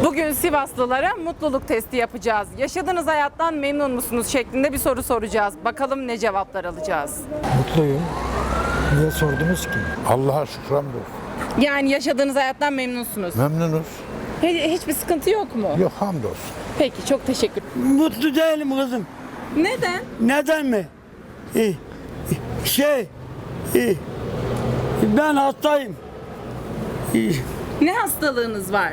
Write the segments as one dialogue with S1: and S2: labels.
S1: Bugün Sivaslılara mutluluk testi yapacağız. Yaşadığınız hayattan memnun musunuz şeklinde bir soru soracağız. Bakalım ne cevaplar alacağız.
S2: Mutluyum. Niye sordunuz ki?
S3: Allah'a şükür hamdolsun.
S1: Yani yaşadığınız hayattan memnunsunuz.
S3: Memnunuz.
S1: Hiçbir sıkıntı yok mu?
S3: Yok hamdolsun.
S1: Peki, çok teşekkür.
S4: Mutlu değilim kızım.
S1: Neden?
S4: Neden mi? Şey, ben hastayım.
S1: Ne hastalığınız var?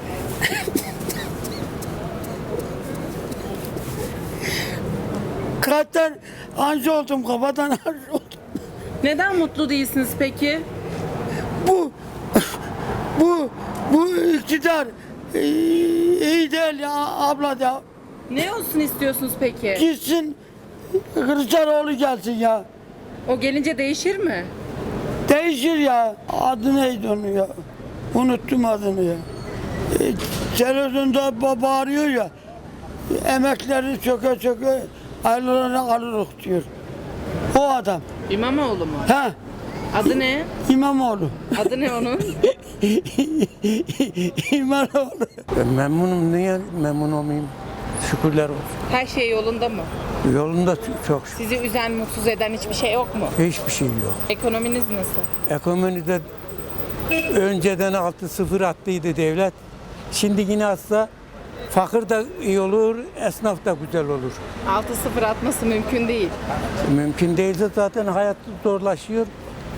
S4: Kalpten anji oldum, kafadan anji oldum.
S1: Neden mutlu değilsiniz peki?
S4: Bu, bu iktidar iyi değil ya abla ya.
S1: Ne olsun istiyorsunuz peki?
S4: Gitsin, Kılıçdaroğlu gelsin ya.
S1: O gelince değişir mi?
S4: Değişir ya. Adı neydi onun ya? Unuttum adını ya. Televizyonda bağırıyor ya. Emekleri çöke çöke aylarını alırız diyor. O adam.
S1: İmamoğlu mu?
S4: Ha,
S1: Adı ne?
S4: İmamoğlu.
S1: Adı ne onun?
S4: İmamoğlu.
S5: Memnunum. Niye memnun olmayayım? Şükürler olsun.
S1: Her şey yolunda mı?
S5: Yolunda çok şükür.
S1: Sizi üzen, mutsuz eden hiçbir şey yok mu?
S5: Hiçbir şey yok.
S1: Ekonominiz nasıl?
S5: Ekonomide önceden 6-0 attıydı devlet. Şimdi yine atsa fakir de iyi olur, esnaf da güzel olur.
S1: 6-0 atması mümkün değil.
S5: Mümkün değilse zaten hayat zorlaşıyor.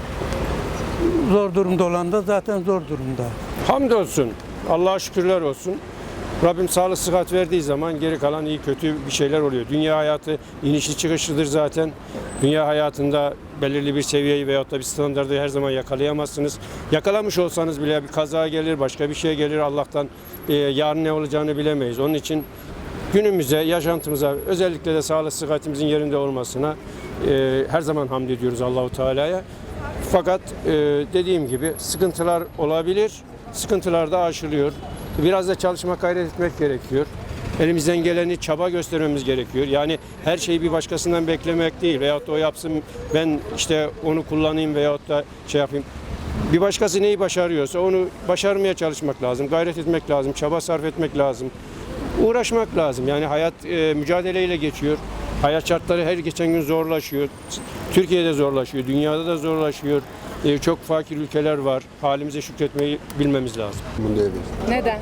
S5: Zor durumda olan da zaten zor durumda.
S6: Hamdolsun. Allah'a şükürler olsun. Rabbim sağlık sıhhat verdiği zaman geri kalan iyi kötü bir şeyler oluyor. Dünya hayatı inişli çıkışlıdır zaten. Dünya hayatında belirli bir seviyeyi veyahut da bir standardı her zaman yakalayamazsınız. Yakalamış olsanız bile bir kaza gelir, başka bir şey gelir. Allah'tan yarın ne olacağını bilemeyiz. Onun için günümüze, yaşantımıza, özellikle de sağlık sıhhatimizin yerinde olmasına her zaman hamd ediyoruz Allahu Teala'ya. Fakat dediğim gibi sıkıntılar olabilir. Sıkıntılar da aşılıyor. Biraz da çalışmak, gayret etmek gerekiyor. Elimizden geleni çaba göstermemiz gerekiyor. Yani her şeyi bir başkasından beklemek değil veyahut da o yapsın ben işte onu kullanayım veyahut da şey yapayım. Bir başkası neyi başarıyorsa onu başarmaya çalışmak lazım. Gayret etmek lazım, çaba sarf etmek lazım. Uğraşmak lazım. Yani hayat mücadeleyle geçiyor. Hayat şartları her geçen gün zorlaşıyor. Türkiye'de zorlaşıyor, dünyada da zorlaşıyor. Çok fakir ülkeler var. Halimize şükretmeyi bilmemiz lazım.
S3: Bunu değil.
S1: Neden?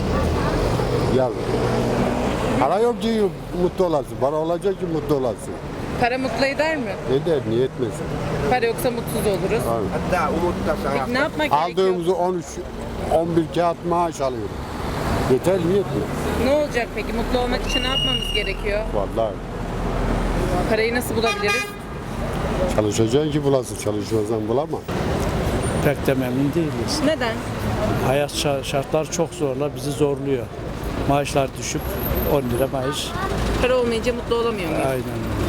S3: Ya para yok ki mutlu olasın. Para olacak ki mutlu olasın.
S1: Para mutlu eder mi?
S3: Ne der, niye etmesin?
S1: Para yoksa mutsuz oluruz. Peki ne yapmak gerekiyor?
S3: Aldığımızı 13, 11 kağıt maaş alıyorum. Yeter mi yetmiyor?
S1: Ne olacak peki? Mutlu olmak için ne yapmamız gerekiyor?
S3: Vallahi
S1: Parayı nasıl bulabiliriz?
S3: çalışacaksın ki bulasın. Çalışmazsan bulamam.
S7: Pek de memnun değiliz.
S1: Neden?
S7: Hayat şartlar çok zorla bizi zorluyor. Maaşlar düşük, 10 lira maaş.
S1: Para olmayınca mutlu olamıyor muyuz?
S7: Aynen.